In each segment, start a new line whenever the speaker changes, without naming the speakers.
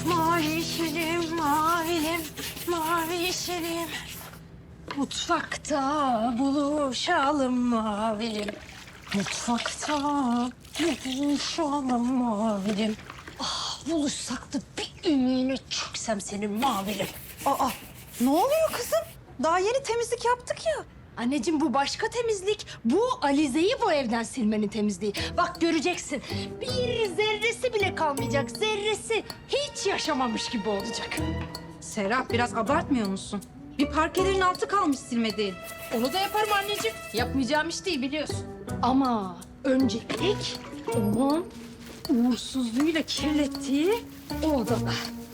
Mavi yeşilim, mavilim, mavi yeşilim. Mutfakta buluşalım mavilim. Mutfakta buluşalım mavilim. Ah, buluşsak da bir ümüğüne çöksem senin mavilim.
Aa, ne oluyor kızım? Daha yeni temizlik yaptık ya.
Anneciğim bu başka temizlik. Bu Alize'yi bu evden silmenin temizliği. Bak göreceksin. Bir zerresi bile kalmayacak. Zerresi. Hiç yaşamamış gibi olacak.
Serap biraz abartmıyor musun? Bir parkelerin altı kalmış silmediğin.
Onu da yaparım anneciğim. Yapmayacağım iş değil biliyorsun. Ama öncelik onun uğursuzluğuyla kirlettiği o odada.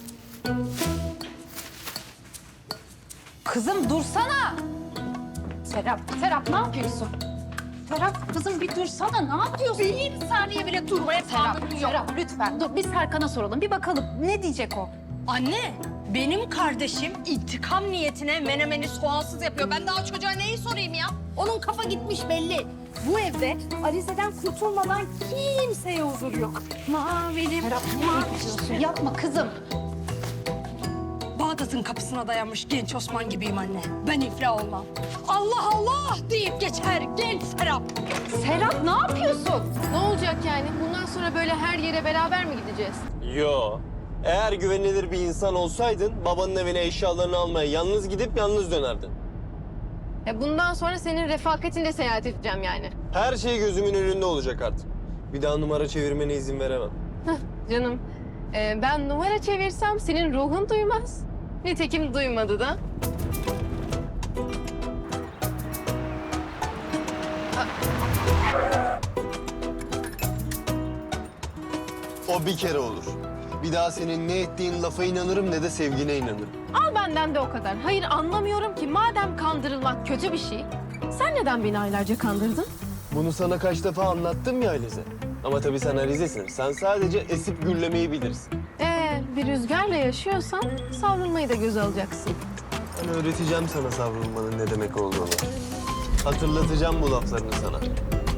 Kızım dursana.
Serap ne yapıyorsun?
Serap kızım bir dursana, ne yapıyorsun?
Bir saniye bile durmaya tahammülüm yok.
Serap lütfen dur, biz Serkan'a soralım. Bir bakalım ne diyecek o?
Anne, benim kardeşim intikam niyetine menemeni soğansız yapıyor. Ben daha çocuğa neyi sorayım ya? Onun kafa gitmiş belli. Bu evde Alize'den kurtulmadan kimseye huzur yok. Mavilim,
Serap ne yapıyorsun? Yapma kızım.
Bağdat'ın kapısına dayanmış genç Osman gibiyim anne. Ben iflah olmam. Allah Allah deyip geçer genç Serap.
Serap ne yapıyorsun?
Ne olacak yani? Bundan sonra böyle her yere beraber mi gideceğiz?
Yo. Eğer güvenilir bir insan olsaydın babanın evine eşyalarını almaya yalnız gidip yalnız dönerdin.
Bundan sonra senin refakatinle seyahat edeceğim yani.
Her şey gözümün önünde olacak artık. Bir daha numara çevirmene izin veremem.
Canım, ben numara çevirsem senin ruhun duymaz. Nitekim duymadı da.
O bir kere olur. Bir daha senin ne ettiğin lafa inanırım ne de sevgine inanırım.
Al benden de o kadar. Hayır anlamıyorum ki madem kandırılmak kötü bir şey, sen neden beni aylarca kandırdın?
Bunu sana kaç defa anlattım ya Alize. Ama tabii sen Alize'sin. Sen sadece esip gürlemeyi bilirsin.
Bir rüzgarla yaşıyorsan savrulmayı da göze alacaksın.
Ben öğreteceğim sana savrulmanın ne demek olduğunu. Hatırlatacağım bu laflarını sana.